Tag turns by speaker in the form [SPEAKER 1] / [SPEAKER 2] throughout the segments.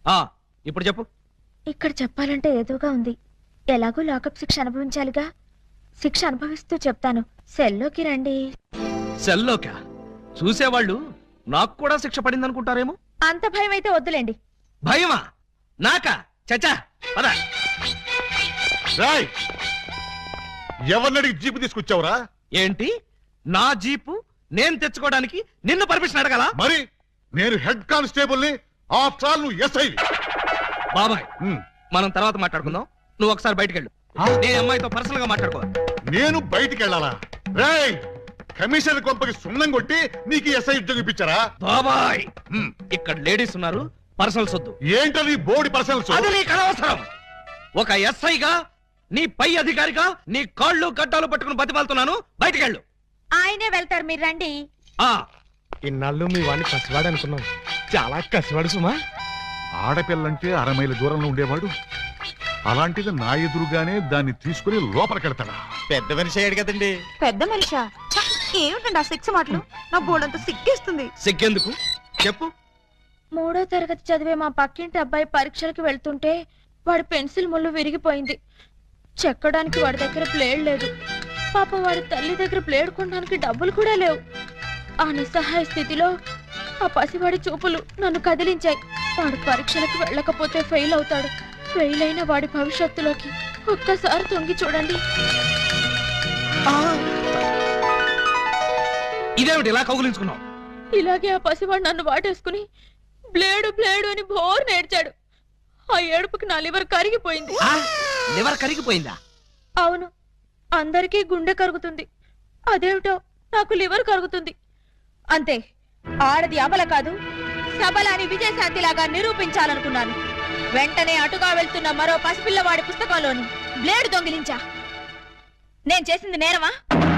[SPEAKER 1] ఇప్పుడు చెప్పు.
[SPEAKER 2] ఇక్కడ చెప్పాలంటే ఏదోగా ఉంది. ఎలాగో లాకప్ శిక్ష అనుభవించాలిగా. శిక్ష అనుభవిస్తూ చెప్తాను. సెల్లోకి రండి.
[SPEAKER 1] సెల్లోకా? చూసేవాళ్ళు నాకు కూడా శిక్ష పడిందనుకుంటారేమో.
[SPEAKER 2] అంత భయం అయితే వద్దులేండి.
[SPEAKER 1] భయమా? నాకా? చచ్చా పద.
[SPEAKER 3] ఎవరినడికి జీపు తీసుకొచ్చావురా?
[SPEAKER 1] ఏంటి నా జీపు నేను తెచ్చుకోవడానికి నిన్ను పర్మిషన్ అడగాల?
[SPEAKER 3] మరి నేను హెడ్ కానిస్టేబుల్ ని, ఆఫ్టర్ ఆల్ నువ్వు ఎస్ఐ.
[SPEAKER 1] బాబాయ్ మనం తర్వాత మాట్లాడుకుందాం. నువ్వు ఒకసారి బయటికి వెళ్ళు. నేను అమ్మాయితో పర్సనల్ గా మాట్లాడుకోవాలి.
[SPEAKER 3] నేను బయటికి వెళ్ళాలా? రేయ్, కమిషనర్ కొంపకి సున్నం కొట్టి నీకు ఎస్ఐ ఉద్యోగం ఇప్పించారా?
[SPEAKER 1] బాబాయ్ ఇక్కడ లేడీస్ ఉన్నారు, పర్సనల్స్ వద్దు.
[SPEAKER 3] ఏంటది బోర్డు పర్సనల్స్?
[SPEAKER 1] అది నీకు అనవసరం. ఒక ఎస్ఐగా నీ పై అధికారిగా నీ కాళ్ళు గడ్డాలు పట్టుకుని బతిమాలుతున్నాను. బయటికి వెళ్ళు.
[SPEAKER 2] ఆయనే వెళ్తారు, మీరు రండి.
[SPEAKER 4] ఇన్నాళ్ళు మీ వాడిని కసివాడు అనుకున్నాం. చాలా కసివాడు సుమా.
[SPEAKER 3] ఆడపిల్లంటే 6 మైళ్ళ దూరంలో ఉండేవాడు. అలాంటిది నా ఎదురుగానే దాన్ని తీసుకుని లోపలికెడతాడా?
[SPEAKER 4] పెద్ద మనిషి అయ్యాడు కదండి.
[SPEAKER 5] పెద్ద మనిషా? ఏమిటండి ఆ సిక్స్ మాటలు? నా బోర్డంతా సిగ్గేస్తుంది.
[SPEAKER 1] సిగ్గెందుకు చెప్పు.
[SPEAKER 2] 3వ తరగతి చదివే మా పక్కింటి అబ్బాయి పరీక్షలకు వెళ్తుంటే వాడి పెన్సిల్ ముళ్ళు విరిగిపోయింది. చెక్కడానికి వాడి దగ్గర ప్లేడ్ లేదు. పాపం వాడి తల్లి దగ్గర ప్లేడ్ కొనడానికి డబ్బులు కూడా లేవు. ఆ నిస్సహాయ స్థితిలో ఆ పసివాడి చూపులు నన్ను కదిలించాయి. వాడు పరీక్షలకు వెళ్ళకపోతే ఫెయిల్ అవుతాడు. ఫెయిల్ అయిన వాడి భవిష్యత్తులోకి ఒక్కసారి తొంగి చూడండి.
[SPEAKER 1] ఇదేమిటి ఇలా కౌగులించుకున్నావు?
[SPEAKER 2] ఇలాగే ఆ పసివాడు నన్ను వాటేసుకుని బ్లేడు బ్లేడు అని బోర్ నేర్చాడు. ఆ ఏడుపుకి నా లివర్ కరిగిపోయింది.
[SPEAKER 1] లివర్ కరిగిపోయిందా?
[SPEAKER 2] అవును, అందరికీ గుండె కరుగుతుంది. అదేమిటో నాకు లివర్ కరుగుతుంది. అంతే, ఆడది అమల కాదు సబల అని విజయశాంతిలాగా నిరూపించాలనుకున్నాను. వెంటనే అటుగా వెళ్తున్న మరో పసిపిల్లవాడి పుస్తకంలోని బ్లేడు దొంగిలించా. నేను చేసింది నేరమా?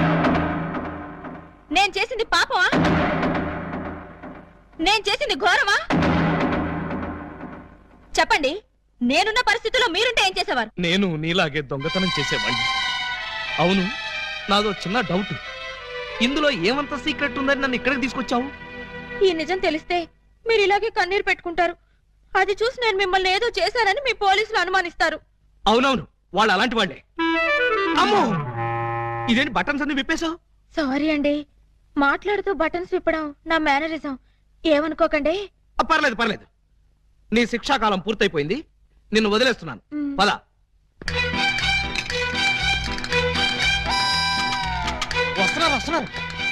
[SPEAKER 2] నేను చేసింది పాపమా? నేను చేసింది ఘోరమా? చెప్పండి. నేనున్న పరిస్థితుల్లో మీరుంటే ఏం చేసేవారు?
[SPEAKER 1] నేను నీలాగే దొంగతనం చేసేవాడిని. అవును, నాదో చిన్న డౌట్. ఇందులో ఏమంత సీక్రెట్ ఉందని నన్ను ఇక్కడికి తీసుకొచ్చావు?
[SPEAKER 2] ఈ నిజం తెలిస్తే మీరు ఇలాగే కన్నీరు పెట్టుకుంటారు. అది చూసి నేను మిమ్మల్ని ఏదో చేశానని మీ పోలీసులు అనుమానిస్తారు.
[SPEAKER 1] అవునవును, వాళ్ళు అలాంటి వాళ్ళే. అమ్మో, ఇదేంటి బటన్స్ అన్ని విప్పేశావు?
[SPEAKER 2] సారీ అండి, మాట్లాడుతూ బటన్స్ విప్పడం నా మేనరిజం. ఏమనుకోకండి.
[SPEAKER 1] పర్లేదు పర్లేదు. నీ శిక్షాకాలం పూర్తయిపోయింది. నిన్ను వదిలేస్తున్నాను. పద. వస్తున్నారు.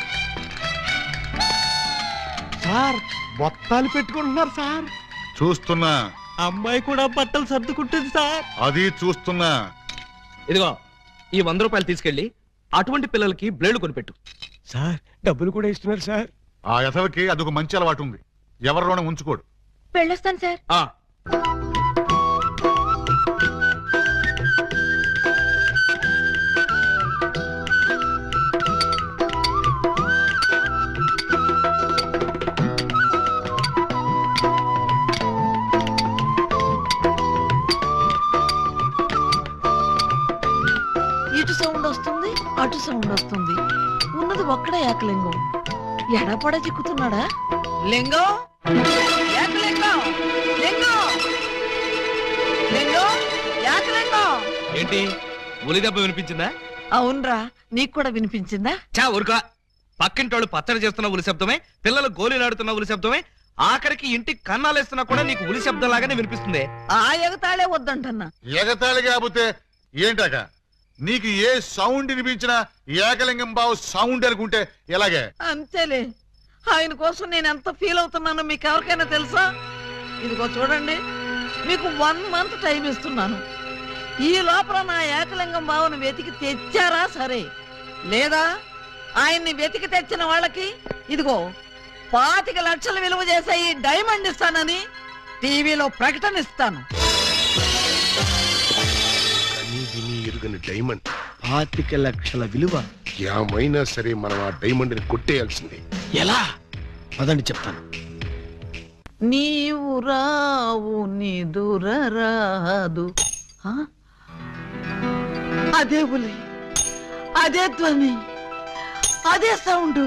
[SPEAKER 4] సార్ బొత్తాలు పెట్టుకుంటున్నారు సార్.
[SPEAKER 3] చూస్తున్నా.
[SPEAKER 4] అమ్మాయి కూడా బట్టలు సర్దుకుంటుంది సార్.
[SPEAKER 3] అది చూస్తున్నా.
[SPEAKER 1] ఇదిగో ఈ 100 రూపాయలు తీసుకెళ్లి అటువంటి పిల్లలకి బ్లేడ్ కొనిపెట్టు.
[SPEAKER 4] సార్ డబ్బులు కూడా ఇస్తున్నారు సార్.
[SPEAKER 3] ఆ యథవకి అదొక మంచి అలవాటు ఉంది. ఎవరిలోనే ఉంచుకోడు.
[SPEAKER 2] వెళ్ళొస్తాను సార్.
[SPEAKER 6] ఇటు సౌండ్ వస్తుంది, అటు సౌండ్ వస్తుంది. ఉన్నది ఒక్కడే ఏకలింగం. ఎడపడ చిక్కుతున్నాడా? లింగం, ఏకలింగం, లింగం, లింగం, ఏకలింగం.
[SPEAKER 1] ఏంటి ఉలి దెబ్బ వినిపించిందా?
[SPEAKER 6] అవునరా, నీకు కూడా వినిపించిందా?
[SPEAKER 1] చా ఊరుకా. పక్కింటోళ్ళు పచ్చడి చేస్తున్న ఉలి శబ్దమే, పిల్లలు గోళీలాడుతున్న ఉలి శబ్దమే, ఆఖరికి ఇంటికి కన్నాలేస్తున్నా కూడా నీకు ఉలి శబ్దం లాగానే వినిపిస్తుంది.
[SPEAKER 6] ఆ ఎగతాళే వద్దంటన్నా.
[SPEAKER 3] ఎగతాళి కాకపోతే ఏంటాక? నీకు ఏ సౌండ్ వినిపించినా ఏకలింగం బావు సౌండ్ అనుకుంటే ఎలాగే?
[SPEAKER 6] అంతేలే. ఆయన కోసం నేను ఎంత ఫీల్ అవుతున్నానో మీకు ఎవరికైనా తెలుసా? ఇదిగో చూడండి, మీకు 1 మంత్ టైం ఇస్తున్నాను. ఈ లోపల నా ఏకలింగం బావును వెతికి తెచ్చారా సరే, లేదా ఆయన్ని వెతికి తెచ్చిన వాళ్ళకి ఇదిగో 25 లక్షలు విలువ చేసే ఈ డైమండ్ ఇస్తానని టీవీలో ప్రకటన ఇస్తాను.
[SPEAKER 7] డైమండ్
[SPEAKER 4] 25 లక్షల విలువ.
[SPEAKER 7] ఏమైనా సరే మనం ఆ డైమండ్ ని కొట్టేయాల్సిందే.
[SPEAKER 4] ఎలా? పదండి చెప్తాను.
[SPEAKER 6] నీవు రావు నిదురరాదు. అదే ఉలి, అదే ధ్వని, అదే సౌండ్.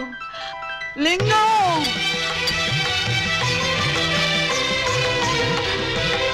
[SPEAKER 6] లింగం,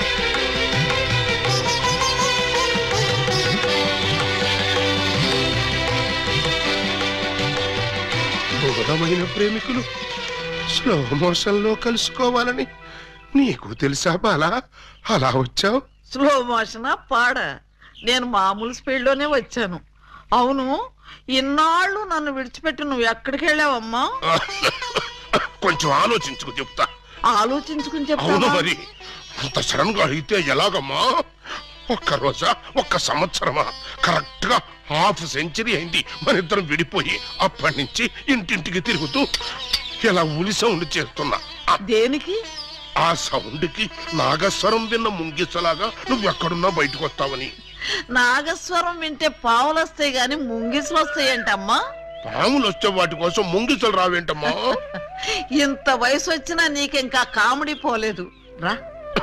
[SPEAKER 7] ప్రియమైన ప్రేమికులు స్లో మోషన్ లో కలుసుకోవాలని నీకు తెలుసా బాలా? అలా వచ్చావు.
[SPEAKER 6] స్లో మోషనా పాడ? నేను మామూలు స్పీడ్ లోనే వచ్చాను. అవును, ఇన్నాళ్ళు నన్ను విడిచిపెట్టి నువ్వు ఎక్కడికి వెళ్ళావమ్మా?
[SPEAKER 7] కొంచెం ఆలోచించుకు చెప్తా.
[SPEAKER 6] ఆలోచించుకుని
[SPEAKER 7] అవును
[SPEAKER 6] చెప్తావా?
[SPEAKER 7] మరి అంత సడన్ గా అయితే ఎలాగమ్మా? ఒక్క రోజా, ఒక్క సంవత్సరమా? కరెక్ట్ గా హాఫ్ సెంచరీ అయింది మన ఇద్దరం విడిపోయి. అప్పటి నుంచి ఇంటింటికి తిరుగుతూ ఇలా ఉలి సౌండ్ చేస్తున్నా.
[SPEAKER 6] దేనికి?
[SPEAKER 7] ఆ సౌండ్ కి నాగస్వరం విన్న ముంగిసలాగా నువ్వు ఎక్కడున్నా బయటకు వస్తావని.
[SPEAKER 6] నాగస్వరం వింటే పావులు వస్తాయి గాని ముంగిసులు వస్తాయంటమ్మా.
[SPEAKER 7] పాములు వచ్చే వాటి కోసం ముంగిసలు రావేంటమ్మా?
[SPEAKER 6] ఇంత వయసు వచ్చినా నీకింకా కామెడీ పోలేదు రా.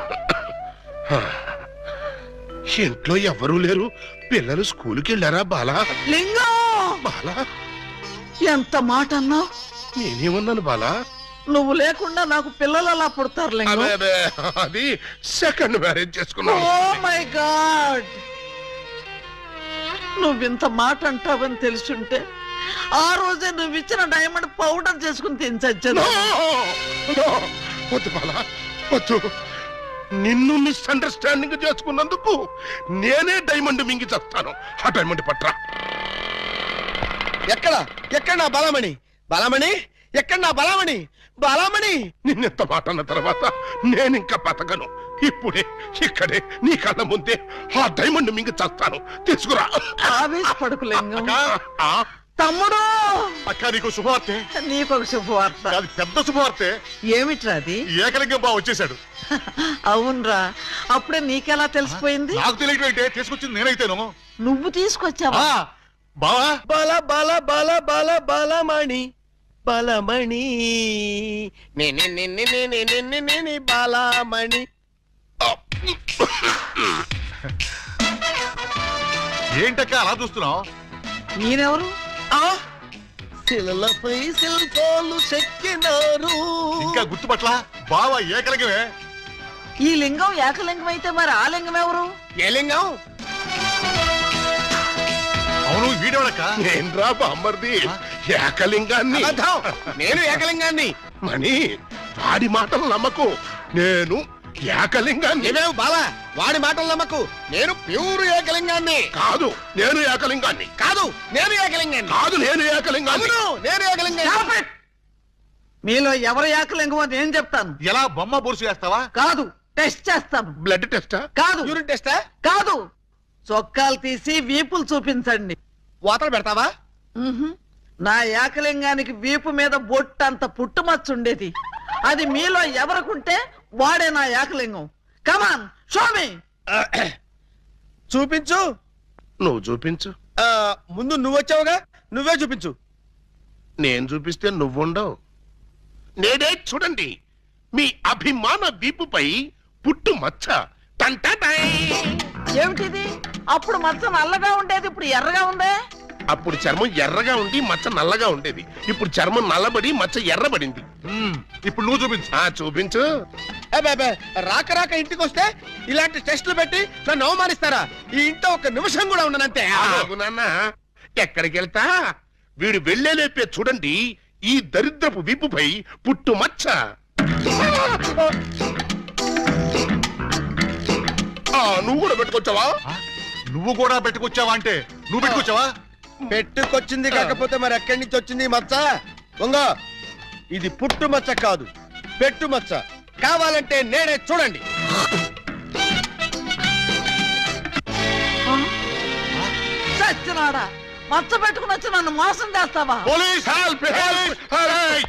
[SPEAKER 7] ఇంట్లో ఎవరూ లేరు. పిల్లలు స్కూల్కి వెళ్ళారా బాలా?
[SPEAKER 6] లింగం,
[SPEAKER 7] బాలా,
[SPEAKER 6] ఎంత మాట అన్నావు?
[SPEAKER 7] నేనేమన్నాను బాలా?
[SPEAKER 6] నువ్వు లేకుండా నాకు పిల్లలు అలా పుడతారు లింగం.
[SPEAKER 7] అదే అదే, అది సెకండ్ మ్యారేజ్ చేసుకున్నాను.
[SPEAKER 6] ఓ మై గాడ్, నువ్వింత మాట అంటావని తెలుసుంటే ఆ రోజే నువ్వు ఇచ్చిన డైమండ్ పౌడర్ చేసుకుని తినచచ్చాను.
[SPEAKER 7] No! వద్దు బాలా, వద్దు. నిన్ను మిస్అండర్స్టాండింగ్ చేసుకున్నందుకు నేనే డైమండ్ మింగి చేస్తాను. ఆ డైమండ్ పట్రా.
[SPEAKER 4] ఎక్కడ నా బలమణి? బలమణి ఎక్కడ నా బలమణి? బలమణి
[SPEAKER 7] నిన్నెంత మాట అన్న తర్వాత నేనింకా బతకను. ఇప్పుడే ఇక్కడే నీ కళ్ళ ముందే ఆ డైమండ్ మింగి చేస్తాను. తీసుకురా.
[SPEAKER 6] ఆవేశపడకు లింగం.
[SPEAKER 7] ఆ,
[SPEAKER 6] తమ్ముడు,
[SPEAKER 3] అక్క నీకు శుభవార్తె.
[SPEAKER 6] నీకొక శుభవార్త.
[SPEAKER 3] అది పెద్ద శుభవార్తె.
[SPEAKER 6] ఏమిట్రా అది?
[SPEAKER 3] ఏకలింగం బావ వచ్చేసాడు.
[SPEAKER 6] అవునరా, అప్పుడే నీకెలా తెలిసిపోయింది?
[SPEAKER 3] నాకు తెలియటం ఏంటే, తీసుకొచ్చింది నేనైతేను.
[SPEAKER 6] నువ్వు తీసుకొచ్చావా?
[SPEAKER 3] బావా
[SPEAKER 4] బల బల బల బల బలమణి బలమణి నేనే బలమణి.
[SPEAKER 3] ఏంటక్క అలా చూస్తున్నావు?
[SPEAKER 6] నేనెవరు?
[SPEAKER 4] శిలలపై శిల్పాలు చెక్కినారు.
[SPEAKER 3] ఇంకా గుర్తుపట్ల బావా ఏకలింగమే.
[SPEAKER 6] ఈ లింగం ఏకలింగం అయితే మరి ఆ లింగం ఎవరు?
[SPEAKER 4] ఏ లింగం?
[SPEAKER 3] అవును, వీడేవాడక్క.
[SPEAKER 7] నేనురా బామ్మర్ది, ఏకలింగాన్ని.
[SPEAKER 4] అబద్ధం. నేను ఏకలింగాన్ని.
[SPEAKER 7] మణి, వాడి మాటలు నమ్మకు. నేను ఏకలింగాన్ని.
[SPEAKER 4] ఏమేవు బాలా, వాడి మాటలు నమ్మకు. నేను ప్యూర్ ఏకలింగాన్ని.
[SPEAKER 7] కాదు, నేను ఏకలింగాన్ని.
[SPEAKER 4] కాదు, నేను ఏకలింగాన్ని.
[SPEAKER 7] కాదు, నేను ఏకలింగాన్ని.
[SPEAKER 4] అవును, నేను ఏకలింగాన్ని.
[SPEAKER 6] Stop it! మీలో ఎవరు ఏకలింగమో నేను చెప్తాను.
[SPEAKER 3] ఎలా బొమ్మ బొరుసు వేస్తావా?
[SPEAKER 6] కాదు, టెస్ట్ చేస్తాను.
[SPEAKER 7] బ్లడ్ టెస్టా?
[SPEAKER 6] కాదు,
[SPEAKER 4] యూరిన్ టెస్టా?
[SPEAKER 6] కాదు, చొక్కాలు తీసి వీపులు చూపించండి.
[SPEAKER 4] వాతలు పెడతావా?
[SPEAKER 6] మ్హూ. నా ఏకలింగానికి వీపు మీద బొట్టంత పుట్టుమచ్చ ఉండేది. అది మీలో ఎవరికుంటే వాడే నా ఏకలింగం. కమాన్, షో మీ.
[SPEAKER 4] చూపించు.
[SPEAKER 7] నువ్వు చూపించు.
[SPEAKER 4] ముందు నువ్వు వచ్చావుగా, నువ్వే చూపించు.
[SPEAKER 7] నేను చూపిస్తే నువ్వుండవు. నేనే చూడండి, మీ అభిమాన వీపుపై పుట్టు మచ్చ. టంటటై.
[SPEAKER 6] ఏమిటిది? అప్పుడు మచ్చ నల్లగా ఉండేది, ఇప్పుడు ఎర్రగా ఉందే.
[SPEAKER 7] అప్పుడు చర్మం ఎర్రగా ఉండి మచ్చ నల్లగా ఉండేది. ఇప్పుడు చర్మం నల్లబడి మచ్చ ఎర్రబడింది.
[SPEAKER 3] ఇప్పుడు నువ్వు చూపించు.
[SPEAKER 7] చూపించు.
[SPEAKER 4] రాక రాక ఇంటికి వస్తే ఇలాంటి టెస్టులు పెట్టి నన్ను అవమానిస్తారా? ఈ ఇంట్లో ఒక నిమిషం కూడా ఉండనంతే.
[SPEAKER 7] ఆగు నాన్న, ఎక్కడికి వెళ్తా? వీడు వెళ్ళేలేపే చూడండి ఈ దరిద్రపు వీపుపై పుట్టు మచ్చ. నువ్వు కూడా పెట్టుకొచ్చావా?
[SPEAKER 3] నువ్వు కూడా పెట్టుకొచ్చావా అంటే నువ్వు పెట్టుకొచ్చావా?
[SPEAKER 4] పెట్టుకొచ్చింది కాకపోతే మరి ఎక్కడి నుంచి వచ్చింది ఈ మచ్చ? దొంగ, ఇది పుట్టు మచ్చ కాదు, పెట్టు మచ్చ. కావాలంటే నేనే చూడండి.
[SPEAKER 6] చచ్చినాడా, మచ్చ పెట్టుకుని వచ్చి నన్ను మోసం చేస్తావా?
[SPEAKER 3] Police help! హెల్ప్!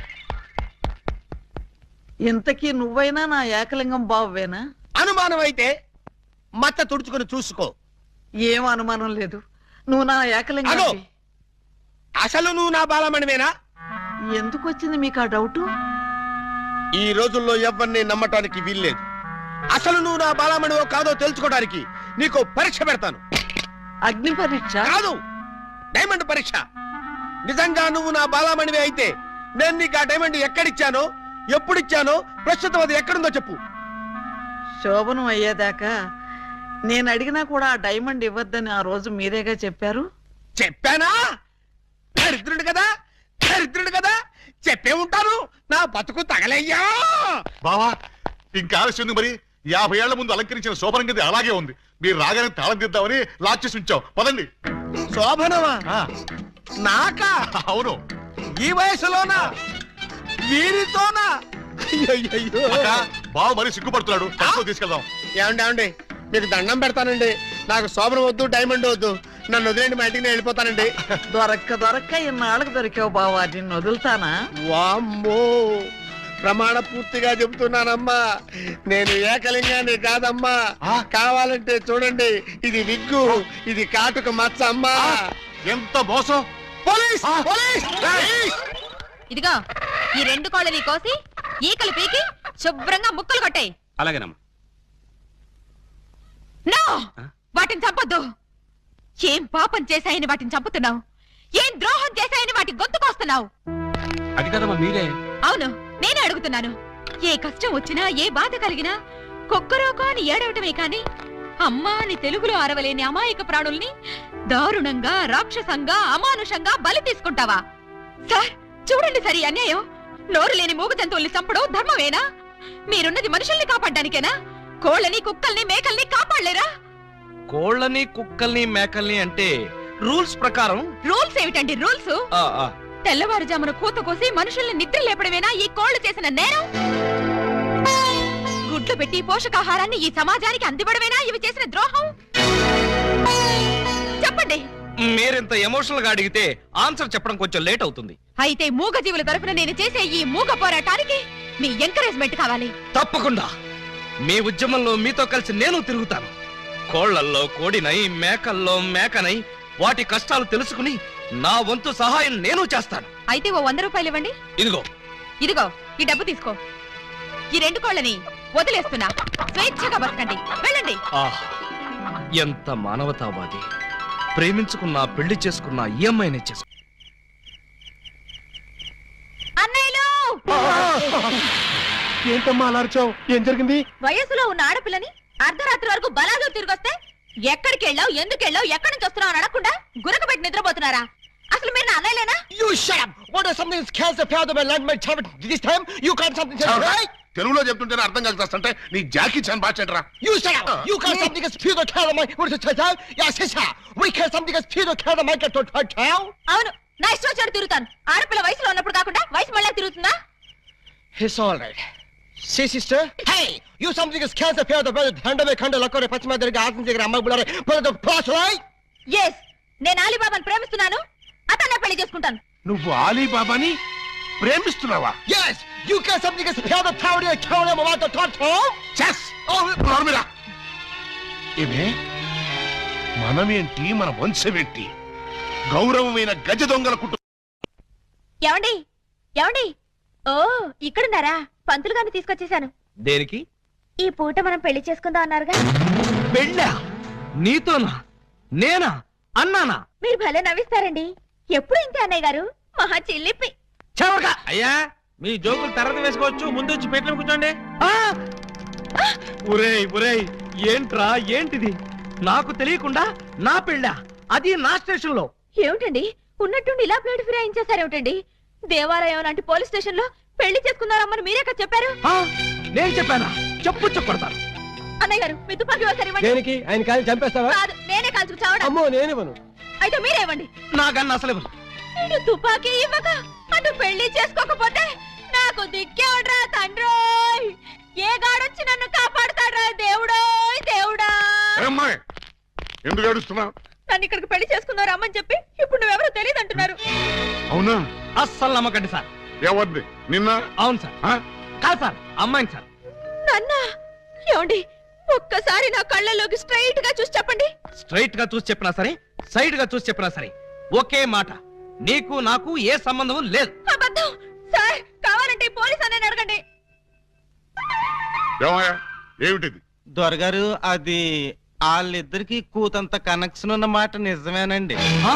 [SPEAKER 6] ఇంతకీ నువ్వైనా నా ఏకలింగం బావేనా?
[SPEAKER 4] అనుమానం అయితే మచ్చ తుడుచుకొని చూసుకో.
[SPEAKER 6] ఏం అనుమానం లేదు, నువ్వు నా ఏకలింగం.
[SPEAKER 4] అగో, అసలు నువ్వు నా బాలమణివేనా?
[SPEAKER 6] ఎందుకు వచ్చింది మీకు ఆ డౌటు?
[SPEAKER 4] ఈ రోజుల్లో ఎవరిని నమ్మటానికి వీల్లేదు. అసలు నువ్వు నా బాలమణివో కాదో తెలుసుకోవడానికి నీకు పరీక్ష పెడతాను.
[SPEAKER 6] అగ్ని పరీక్ష
[SPEAKER 4] కాదు, డైమండ్ పరీక్ష. నిజంగా నువ్వు నా బాలమణివే అయితే నేను నీకు ఆ డైమండ్ ఎక్కడిచ్చానో, ఎప్పుడిచ్చానో, ప్రస్తుతం అది ఎక్కడుందో చెప్పు.
[SPEAKER 6] శోభనం అయ్యేదాకా నేను అడిగినా కూడా ఆ డైమండ్ ఇవ్వద్దని ఆ రోజు మీరేగా చెప్పారు.
[SPEAKER 4] చెప్పానా? దరిద్రుడు కదా, దరిద్రుడు కదా. చెప్పే ఉంటాను నా బతుకు తగలయ్యా.
[SPEAKER 3] బావా ఇంకా ఆలస్యం ఉంది మరి. 50 ఏళ్ల ముందు అలంకరించిన శోభనం గది అలాగే ఉంది. మీరు రాగానే తాళం తీద్దామని లాక్ చేసి ఉంచాం. పదండి.
[SPEAKER 4] శోభనమా?
[SPEAKER 3] ఆ,
[SPEAKER 4] నాకా?
[SPEAKER 3] అవును.
[SPEAKER 4] ఈ వయసులోనా? వీరితోనా? అయ్యయ్యయ్యో.
[SPEAKER 3] అక్క, బావ మరీ సిగ్గుపడుతున్నాడు. తనతో తీసుకెళ్దాం.
[SPEAKER 4] ఏమండి మీకు దండం పెడతానండి. నాకు శోభనం వద్దు, డైమండ్ వద్దు. నన్ను వదిలేండి, మా ఇంటికి నేను వెళ్ళిపోతానండి.
[SPEAKER 6] దొరక్క ఇన్నాళ్ళకు దొరికావు బావా, నిన్ను వదులుతానా?
[SPEAKER 4] వామ్మో, ప్రమాణ పూర్తిగా చెబుతున్నానమ్మా, నేను ఏకలింగాన్ని కాదమ్మా. కావాలంటే చూడండి, ఇది విగ్గు, ఇది కాటుక మచ్చ అమ్మా.
[SPEAKER 3] ఎంత మోసం!
[SPEAKER 4] పోలీస్! పోలీస్!
[SPEAKER 2] ఇదిగో ఈ 2 కోళ్ళని కోసి ఈకలు పీకి శుభ్రంగా ముక్కలు కొట్టాయి.
[SPEAKER 1] అలాగేనమ్మా.
[SPEAKER 2] నో, వాటిని చంపొద్దు. ఏం పాపం చేశాయని వాటిని చంపుతున్నావు? ఏం ద్రోహం చేశాయని వాటి గొంతుకొస్తున్నావు?
[SPEAKER 1] అది కదమ్మా మీరే.
[SPEAKER 2] అవును, నేనే అడుగుతున్నాను. ఏ కష్టం వచ్చినా, ఏ బాధ కలిగినా కుక్కరోకో అని ఏడవటమే కాని అమ్మా అని తెలుగులో అరవలేని అమాయక ప్రాణుల్ని దారుణంగా, రాక్షసంగా, అమానుషంగా బలి తీసుకుంటావా? సార్ చూడండి, సరి అన్యాయం. నోరు లేని మూగ జంతువుల్ని చంపడం ధర్మమేనా? మీరున్నది మనుషుల్ని కాపాడ్డానికేనా? కోళ్ళని, కుక్కల్ని, మేకల్ని కాపాడలేరా?
[SPEAKER 1] కోళ్ళని, కుక్కల్ని, మేకల్ని అంటే రూల్స్ ప్రకారం.
[SPEAKER 2] రూల్స్ ఏమిటండి రూల్స్? తెల్లవారుజామున కూత కోసి మనుషుల్ని నిద్ర లేపడమేనా ఈ కోళ్లు చేసిన నేరం? గుడ్లు పెట్టి పోషకాహారాన్ని ఈ సమాజానికి అందివ్వడమేనా ఇవి చేసిన ద్రోహం? చెప్పండి.
[SPEAKER 1] మీరింత ఎమోషనల్ గా అడిగితే ఆన్సర్ చెప్పడం కొంచెం లేట్ అవుతుంది.
[SPEAKER 2] అయితే మూగజీవుల తరఫున నేను చేసే ఈ మూగ పోరాటానికి మీ ఎంకరేజ్మెంట్ కావాలి.
[SPEAKER 1] తప్పకుండా మీ ఉద్యమంలో మీతో కలిసి నేను తిరుగుతాను. కోళ్లల్లో కోడినై, మేకల్లో మేకనై వాటి కష్టాలు తెలుసుకుని నా వంతు సహాయం నేను చేస్తాను.
[SPEAKER 2] అయితే ఓ 100 రూపాయలు ఇవ్వండి.
[SPEAKER 1] ఇదిగో.
[SPEAKER 2] ఇదిగో ఈ డబ్బు తీసుకో. ఈ 2 కోళ్ళని వదిలేస్తున్నా. స్వేచ్ఛగా బతకండి, వెళ్ళండి.
[SPEAKER 1] ఎంత మానవతావాది. ప్రేమించుకున్నా, పెళ్లి చేసుకున్నా ఈ అమ్మాయినే చేసుకు.
[SPEAKER 2] అన్నయ్యలు,
[SPEAKER 4] ఏంటమ్మా అలా అరిచావు? ఏం జరిగింది?
[SPEAKER 2] వయసులో ఉన్న ఆడపిల్లని అర్ధరాత్రి వరకు బలాదు తిరిగొస్తే ఎక్కడికి వెళ్ళావు, ఎందుకు వెళ్ళావు, ఎక్కడి నుంచి వస్తున్నావు అని అడగకుండా గురక పెట్టి నిద్రపోతున్నారా? అసలు మీరు నా అన్నయ్యలేనా?
[SPEAKER 4] You shut up! What is something that's cancer power that my land my child this time? You can't something right?
[SPEAKER 7] తెలుగులో చెప్తుంటేనే అర్థం కాకపోతే నీ జాకీ చాన్ బాచెంట్రా.
[SPEAKER 4] You shut up! You can't something that's pure cancer my what is it? Yes, sister. We can't something that's pure cancer my get to town.
[SPEAKER 2] అవును, నా ఇష్టం వచ్చాడు తిరుగుతాను. ఆడపిల్ల వయసులో ఉన్నప్పుడు కాకుండా వయసు మళ్ళీ తిరుగుతుందా?
[SPEAKER 4] It's all right. See, sister? Hey! You something is cancer power the brother hand me khanda lakore pachma derga aasam దగ్గర అమ్మాయి బులారే పద పాస్ right?
[SPEAKER 2] yes, నేను అలీబాబాను ప్రేమిస్తున్నాను. అతన్నే పెళ్లి చేసుకుంటాను.
[SPEAKER 7] నువ్వు ఆలీబాబాని ప్రేమిస్తున్నావా?
[SPEAKER 4] Yes! You can't something is power the power the town of what the town?
[SPEAKER 7] చెస్ నోర్మిరా. ఏమే మనమేంటి, మన వంశమేంటి? గౌరవమైన గజ దొంగల కుటుంబం.
[SPEAKER 2] ఏమండి, ఏమండి, ఓ ఇక్కడున్నారా? పంతులు గారిని తీసుకొచ్చేసాను.
[SPEAKER 1] దేనికి?
[SPEAKER 2] ఈ పూట మనం పెళ్లి చేసుకుందాం అన్నారుగా.
[SPEAKER 1] పెళ్ళా? నీతోనా? నేనా? అన్నానా?
[SPEAKER 2] మీరు భలే నవ్విస్తారండి. ఎప్పుడు ఇంతే అన్నయ్య గారు, మహా చిల్లిపి.
[SPEAKER 1] చవక అయ్యా, మీ జోకులు తర్వాత వేసుకోవచ్చు. ముందు వచ్చి పెట్లు కూర్చోండి. ఒరేయ్ ఒరేయ్, ఏంట్రా ఏంటిది? నాకు తెలియకుండా నా పెళ్ళా, అది నా స్టేషన్ లో.
[SPEAKER 2] ఏమిటండి ఉన్నట్టుండి ఇలా ప్లేట్ ఫిరాయించేశారేమిటండి? దేవాలయం లాంటి పోలీస్ స్టేషన్ లో పెళ్లి చేసుకున్నారమ్మని మీరే కదా చెప్పారు.
[SPEAKER 1] నేను చెప్పానా? చెప్పు చెప్పడతాను.
[SPEAKER 2] అన్నయ్య గారు, మీ తుపాకీ ఒకసారి ఇవ్వండి.
[SPEAKER 4] దేనికి? ఆయన కాలి చంపేస్తావా?
[SPEAKER 2] కాదు, నేనే కాల్చుకు చావడం.
[SPEAKER 4] అమ్మో, నేనివ్వను.
[SPEAKER 2] అయితే మీరే ఇవ్వండి.
[SPEAKER 1] నాకన్నా అసలు ఇవ్వను.
[SPEAKER 2] ఇటు తుపాకీ ఇవ్వక అటు పెళ్లి చేసుకోకపోతే నాకు దిక్కేవడ్రా తండ్రోయ్. ఏ గాడొచ్చి నన్ను కాపాడుతాడ్రా దేవుడోయ్ దేవుడా.
[SPEAKER 7] అమ్మాయి ఎందుకు ఏడుస్తున్నావు?
[SPEAKER 2] నన్ను ఇక్కడికి పెళ్లి చేసుకున్నారు అమ్మని చెప్పి ఇప్పుడు నువ్వెవరో తెలియదు అంటున్నారు.
[SPEAKER 7] అవునా?
[SPEAKER 1] అస్సలు నమ్మకండి సార్.
[SPEAKER 7] ఎవరిది? నిన్న?
[SPEAKER 1] అవును సార్. కాదు సార్, అమ్మాయిని సార్.
[SPEAKER 2] నాన్న, ఏమండి ఒక్కసారి నా కళ్ళలోకి స్ట్రైట్ గా చూసి చెప్పండి.
[SPEAKER 1] స్ట్రైట్ గా చూసి చెప్పినా సరే, సైడ్ గా చూసి చెప్పినా సరే ఒకే మాట, నీకు నాకు ఏ సంబంధం లేదు.
[SPEAKER 2] అబద్ధం సార్. కావాలంటే పోలీస్ అన్నని అడగండి.
[SPEAKER 7] ఏమయ్యా, ఏమిటిది?
[SPEAKER 8] దొరగారు, అది వాళ్ళిద్దరికి కూతంత కనెక్షన్ ఉన్న మాట నిజమేనండి.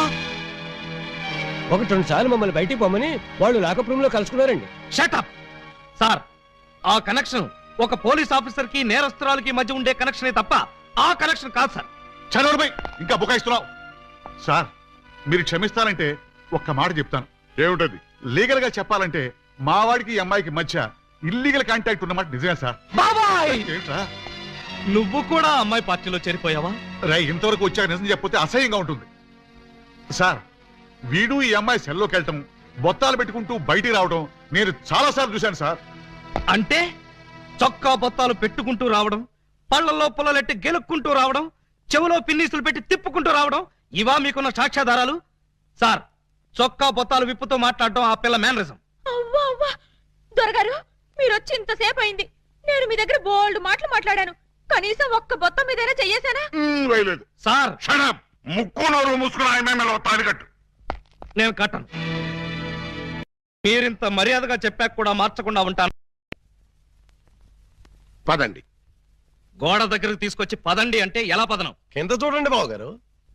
[SPEAKER 4] 1-2 సార్లు మమ్మల్ని బయటికి పోమని వాళ్ళు లాకప్ రూమ్ లో కలుసుకున్నారండి.
[SPEAKER 1] Shut up sir. ఆ కనెక్షన్ ఒక పోలీస్ ఆఫీసర్ కి నేరస్తురాలకి మధ్య ఉండే కనెక్షనే తప్ప ఆ కనెక్షన్ కాదు సార్.
[SPEAKER 3] చనోర్బై, ఇంకా బుకాయిస్తున్నావు. సార్ మీరు క్షమిస్తానంటే ఒక్క మాట చెప్తాను.
[SPEAKER 7] ఏమిటది?
[SPEAKER 3] లీగల్ గా చెప్పాలంటే మా వాడికి ఈ అమ్మాయికి మధ్య ఇల్లీగల్ కాంటాక్ట్ ఉన్నమాట నిజమే సార్.
[SPEAKER 1] బాబాయ్
[SPEAKER 3] ఏంట్రా
[SPEAKER 1] నువ్వు కూడా అమ్మాయి పార్టీలో చేరిపోయావా?
[SPEAKER 3] రై ఇంతవరకు వచ్చాక నిజం చెప్పితే అసహ్యంగా ఉంటుంది సార్. వీడు ఈ అమ్మాయి సెల్లోకి వెళ్ళటం, బొత్తాలు పెట్టుకుంటూ బయటికి రావడం నేను చాలా సార్లు చూశాను సార్.
[SPEAKER 1] అంటే చొక్కా బొత్తాలు పెట్టుకుంటూ రావడం, పళ్ళల్లో పుల్లలెట్టి గెలుక్కుంటూ రావడం, చెవులో పిన్నీసులు పెట్టి తిప్పుకుంటూ రావడం, ఇవా మీకున్న సాక్ష్యాధారాలు? సార్, చొక్కా బొత్తాలు విప్పుతో మాట్లాడడం ఆ పిల్ల మేనరిజం.
[SPEAKER 2] అవ్వా అవ్వా దొరగారు, మీరు వచ్చి ఇంతసేపు అయింది. నేను మీ దగ్గర బోల్డ్ మాటలు మాట్లాడాను. కనీసం ఒక్క బొత్తం మీదైనా చెయ్యేశానా?
[SPEAKER 7] వేయలేదు.
[SPEAKER 1] సార్
[SPEAKER 7] షడప్, ముక్కు నోరు మూసుకుని ఆయన తాడికట్టు.
[SPEAKER 1] నేను కట్టను. మీరింత మర్యాదగా చెప్పాక కూడా మార్చకుండా ఉంటాను.
[SPEAKER 7] పదండి.
[SPEAKER 1] గోడ దగ్గరకు తీసుకొచ్చి పదండి అంటే ఎలా పదనం?
[SPEAKER 4] కింద చూడండి బావగారు.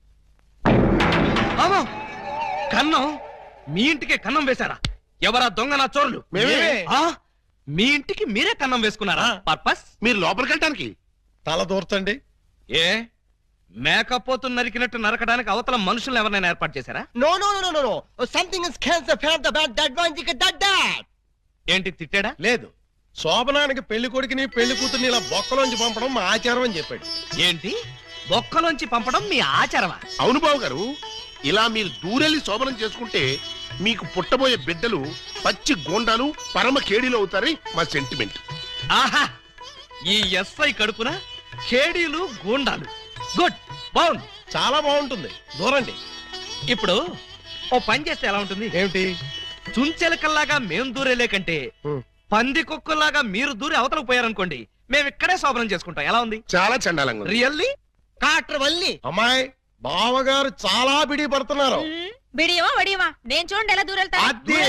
[SPEAKER 1] అమ్మో! కన్నం? మీ ఇంటికే కన్నం వేశారా? ఎవరా దొంగ నా చోరులు?
[SPEAKER 7] మేమే.
[SPEAKER 1] ఆ? మీ ఇంటికి మీరే కన్నం వేసుకున్నారా? పర్పస్?
[SPEAKER 7] మీరు లోపలికి వెళ్ళటానికి
[SPEAKER 4] తల దూర్చండి.
[SPEAKER 1] ఏ మేకపోతు నరికినట్టు నరకడానికి అవతల మనుషులను ఎవరైనా ఏర్పాటు చేశారా?
[SPEAKER 4] No no no no no something is cancer fat the bad that one thick that that.
[SPEAKER 1] ఏంటి తిట్టాడా?
[SPEAKER 4] లేదు, శోభనానికి పెళ్లి కొడుకుని పెళ్లి కూతుర్ని ఇలా బొక్కలోంచి పంపడం మా ఆచారం అని చెప్పాడు.
[SPEAKER 1] ఏంటి బొక్కలోంచి పంపడం మీ ఆచారమా?
[SPEAKER 7] అవును బాబు గారు, ఇలా మీరు దూరెళ్ళి శోభనం చేసుకుంటే మీకు పుట్టబోయే బిడ్డలు పచ్చి గోండాలు పరమ కేడీలు అవుతారని మా సెంటిమెంట్.
[SPEAKER 1] ఆహా! ఈ ఎస్ఐ కడుపున కేడీలు గూండాలు. గుడ్, బాగుంది,
[SPEAKER 4] చాలా బాగుంటుంది. దూరండి.
[SPEAKER 1] ఇప్పుడు ఓ పని చేస్తే ఎలా ఉంటుంది?
[SPEAKER 4] ఏమిటి?
[SPEAKER 1] చుంచెలకల్లాగా మేం దూరేలే కంటే పంది కుక్కల్లాగా మీరు దూరి అవతలకు పోయారనుకోండి, మేము ఇక్కడే శోభనం చేసుకుంటాం. ఎలా ఉంది?
[SPEAKER 7] చాలా చండాలంగా ఉంది.
[SPEAKER 1] రియల్లీ?
[SPEAKER 4] కాట్ర వల్లి అమ్మాయి బావగారు చాలా బిడి పడుతున్నారు.
[SPEAKER 2] బిడియమా వడియమా నేను చూడండి ఎలా దూరెళ్తా.
[SPEAKER 4] అదే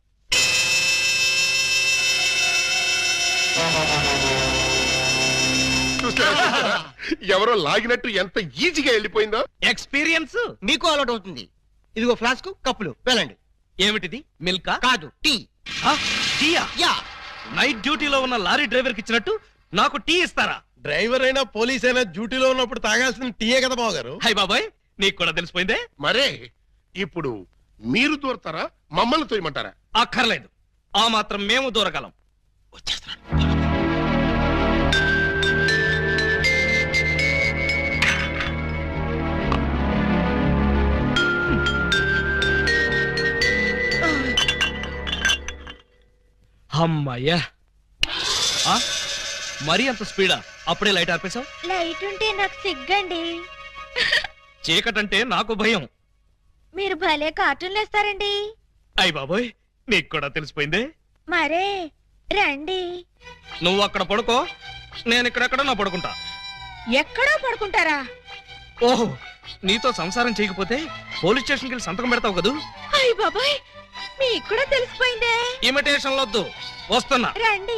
[SPEAKER 7] చూస్తారా? ఎవరో లాగినట్టు ఎంత ఈజీగా వెళ్ళిపోయిందో.
[SPEAKER 1] ఎక్స్పీరియన్స్
[SPEAKER 4] మీకు అలవాటు అవుతుంది. ఇదిగో ఫ్లాస్క్ కప్పులు వెళ్ళండి.
[SPEAKER 1] ఏమిటిది? మిల్కా?
[SPEAKER 4] కాదు, టీ.
[SPEAKER 1] ఆ, టీయా?
[SPEAKER 4] యా.
[SPEAKER 1] నైట్ డ్యూటీలో ఉన్న లారీ డ్రైవర్ కి ఇచ్చినట్టు నాకు టీ ఇస్తారా?
[SPEAKER 4] డ్రైవర్ అయినా పోలీస్ అయినా డ్యూటీలో ఉన్నప్పుడు తాగాల్సిన టీయే కదా బావగారు.
[SPEAKER 1] హై బాబాయ్, నీకు కూడా తెలిసిపోయిందే.
[SPEAKER 7] మరే ఇప్పుడు మీరు దూరతారా, మమ్మల్ని తోయమంటారా?
[SPEAKER 1] అక్కర్లేదు, ఆ మాత్రం మేము దూరగలం. వచ్చేస్తున్నాను. అమ్మయ్యా! ఆ? మరీ అంత స్పీడా? అప్పుడే లైట్ ఆర్పేశావు?
[SPEAKER 2] లైట్ ఉంటే నాకు సిగ్గండి.
[SPEAKER 1] చీకటంటే నాకు భయం.
[SPEAKER 2] మీరు భలే కార్టూన్లు వేస్తారండి.
[SPEAKER 1] అయ్ బాబోయ్, నీకు కూడా తెలిసిపోయిందే.
[SPEAKER 2] మరే రండి.
[SPEAKER 1] నువ్వు అక్కడ పడుకో, నేను ఇక్కడెక్కడ నా పడుకుంటా.
[SPEAKER 2] ఎక్కడో పడుకుంటారా?
[SPEAKER 1] ఓహో, నీతో సంసారం చేయకపోతే పోలీస్ స్టేషన్కి వెళ్ళి సంతకం పెడతావు కదూ.
[SPEAKER 2] అయ్య బాబాయ్, మీకు కూడా తెలిసిపోయిందే.
[SPEAKER 1] ఇమిటేషన్ వద్దు, వస్తున్నా.
[SPEAKER 2] రండి.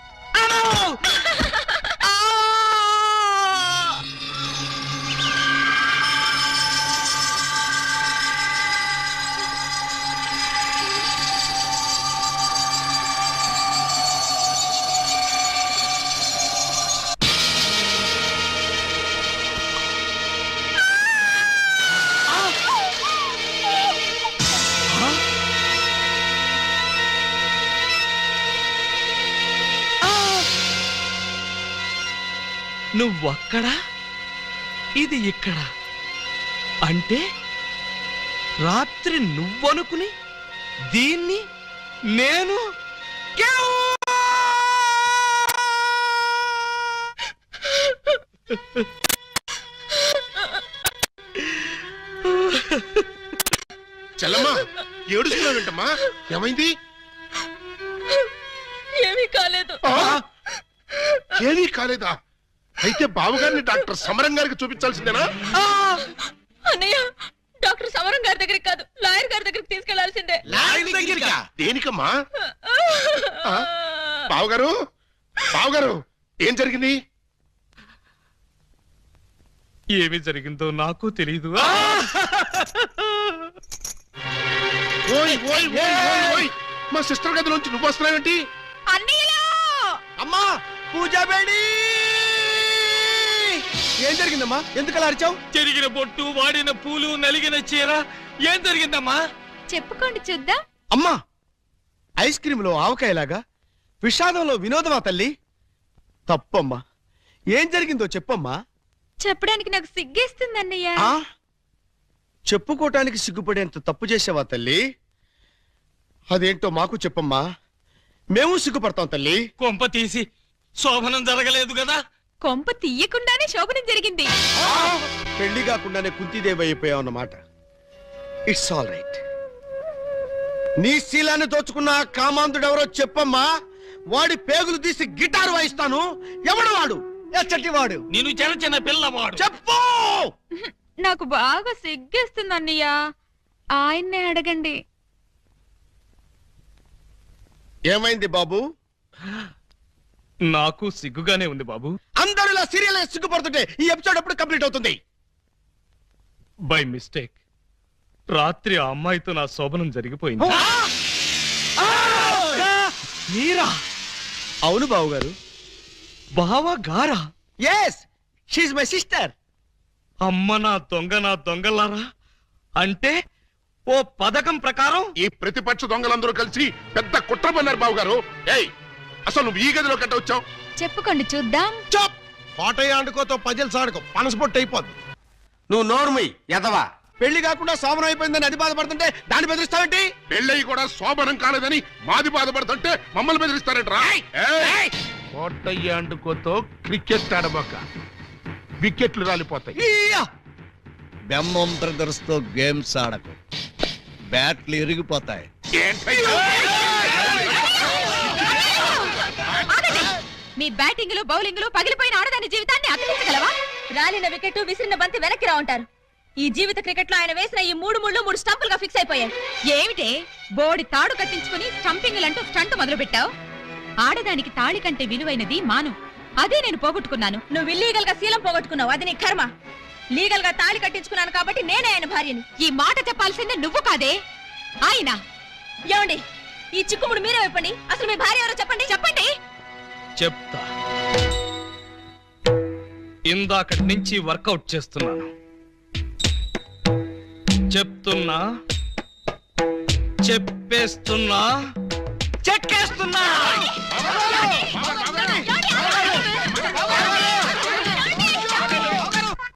[SPEAKER 1] నువ్వక్కడ, ఇది ఇక్కడ. అంటే రాత్రి నువ్వనుకుని దీన్ని నేను
[SPEAKER 7] చెల్లమ్మా, ఏడుస్తున్నావేంటమ్మా? ఏమైంది?
[SPEAKER 2] ఏమీ కాలేదు.
[SPEAKER 7] ఏమీ కాలేదా? అయితే బావగారిని డాక్టర్ సమరం గారికి చూపించాల్సిందేనా?
[SPEAKER 2] అన్నయ్య, డాక్టర్ సమరం గారి దగ్గరికి కాదు, లాయర్ గారి దగ్గరికి తీసుకెళ్లాల్సిందే.
[SPEAKER 7] దేనికమ్మా? బావగారు, బావగారు, ఏం జరిగింది?
[SPEAKER 1] ఏమి జరిగిందో నాకు తెలియదు.
[SPEAKER 7] ఓయ్ ఓయ్ ఓయ్ ఓయ్ ఓయ్, మా సిస్టర్ గదిలోంచి నువ్వు వస్తున్నావేంటి?
[SPEAKER 2] అన్నయ్యలో
[SPEAKER 4] అమ్మా పూజా బేడి, ఏం జరిగిందమ్మా? ఎందుకలా అరిచావు?
[SPEAKER 1] చెరిగిన బొట్టు, వాడిన పూలు, నలిగిన చీర. ఏం జరిగిందమ్మా?
[SPEAKER 2] చెప్పుకోండి చూద్దాం.
[SPEAKER 4] అమ్మా ఐస్ క్రీంలో ఆవకాయలాగా విషాదంలో వినోదమా తల్లి? తప్పమ్మా. ఏం జరిగిందో చెప్పమ్మా.
[SPEAKER 2] చెప్పడానికి నాకు సిగ్గేస్తుంది అన్నయ్య.
[SPEAKER 4] ఆ? చెప్పుకోటానికి సిగ్గుపడేంత తప్పు చేసావా తల్లి? అదేంటో మాకు చెప్పమ్మా, మేము సిగ్గుపడతాం తల్లి.
[SPEAKER 1] కొంప తీసి శోభనం జరగలేదు కదా?
[SPEAKER 2] కొంప తీయకుండానే శోభనం జరిగింది.
[SPEAKER 4] పెళ్లి కాకుండానే కుంతిదేవి అయిపోయావు అన్నమాట. It's all right. నీ శీలాన్ని దోచుకున్న ఆ కామాంధుడెవరో చెప్పమ్మా. వాడి పేగులు తీసి గిటారు వాయిస్తాను. ఎవడు వాడు? ఎచ్చటి వాడు?
[SPEAKER 1] నేను చిన్న చిన్న పిల్లవాడు.
[SPEAKER 4] చెప్పు.
[SPEAKER 2] నాకు బాగా సిగ్గేస్తుంది అన్నయ్య, ఆయన్నే అడగండి.
[SPEAKER 4] ఏమైంది బాబు?
[SPEAKER 1] నాకు సిగ్గుగానే ఉంది బాబు.
[SPEAKER 4] అందరూ ఇలా సీరియల్ సిగ్గుపడుతుంటే ఈ ఎపిసోడ్ ఎప్పుడు కంప్లీట్ అవుతుంది?
[SPEAKER 1] బై మిస్టేక్ రాత్రి ఆ అమ్మాయితో నా శోభనం జరిగిపోయింది. మీరా?
[SPEAKER 4] అవును బాబు గారు.
[SPEAKER 1] బావా గారా?
[SPEAKER 4] Yes, she my sister.
[SPEAKER 1] అమ్మ నా దొంగలారా. అంటే ఓ పథకం ప్రకారం
[SPEAKER 7] ఈ ప్రతిపక్ష దొంగలందరూ కలిసి పెద్ద కుట్ర పన్నారు బాబు గారు. ఏయ్, అసలు నువ్వు ఈ గదిలో కట్ట వచ్చావు?
[SPEAKER 2] చెప్పుకోండి చూద్దాం.
[SPEAKER 4] చాప్. కోటయ్య ఆడుకోతో పజల్ సాడుకో, పనసపొట్టు అయిపోద్ది. నువ్వు నోర్మి ఎదవా. పెళ్లి కాకుండా శోభనం అయిపోయిందని అది బాధపడుతుంటే దాన్ని బెదిరిస్తావేంటి?
[SPEAKER 7] పెళ్ళయి కూడా శోభనం కాలేదని మాది బాధపడుతుంటే మమ్మల్ని బెదిరిస్తారంటరా? కోటయ్య అండుకోతో క్రికెట్ ఆడబోక, వికెట్లు రాలిపోతాయి.
[SPEAKER 9] బెమ్మం బ్రదర్స్ తో గేమ్స్ ఆడకు, బ్యాట్లు ఇరిగిపోతాయి.
[SPEAKER 7] ఏంటయ్యా?
[SPEAKER 2] మీ బ్యాటింగ్ లో బౌలింగ్ లో పగిలిపోయిన ఆడదాని జీవితాన్ని అతికించగలవా? రాలిన వికెట్ విసిరిన బంతి వెనక్కి రా ఉంటారు. ఈ జీవిత క్రికెట్ లో ఆయన వేసిన ఈ 3 స్టంపులుగా ఫిక్స్ అయిపోయాయి. ఏమిటే బోడి తాడు కట్టించుకుని స్టంపింగ్లంటూ స్టంట్ మొదలు పెట్టావు? ఆడదానికి తాళి కంటే విలువైనది మాను. అదే నేను పోగొట్టుకున్నాను. నువ్వు ఇల్లీగల్ గా శీలం పోగొట్టుకున్నావు, అది నీ కర్మ. లీగల్ గా తాళి కట్టించుకున్నాను కాబట్టి నేనే ఆయన భార్యని. ఈ మాట చెప్పాల్సిందే నువ్వు కాదే ఆయన. ఏమండి, ఈ చిక్కుముడు మీరే చెప్పండి. అసలు మీ భార్య ఎవరో చెప్పండి.
[SPEAKER 1] చెప్తా. ఇందాకటి నుంచి వర్కౌట్ చేస్తున్నాను. చెప్తున్నా, చెప్పేస్తున్నా, చెక్కేస్తున్నా.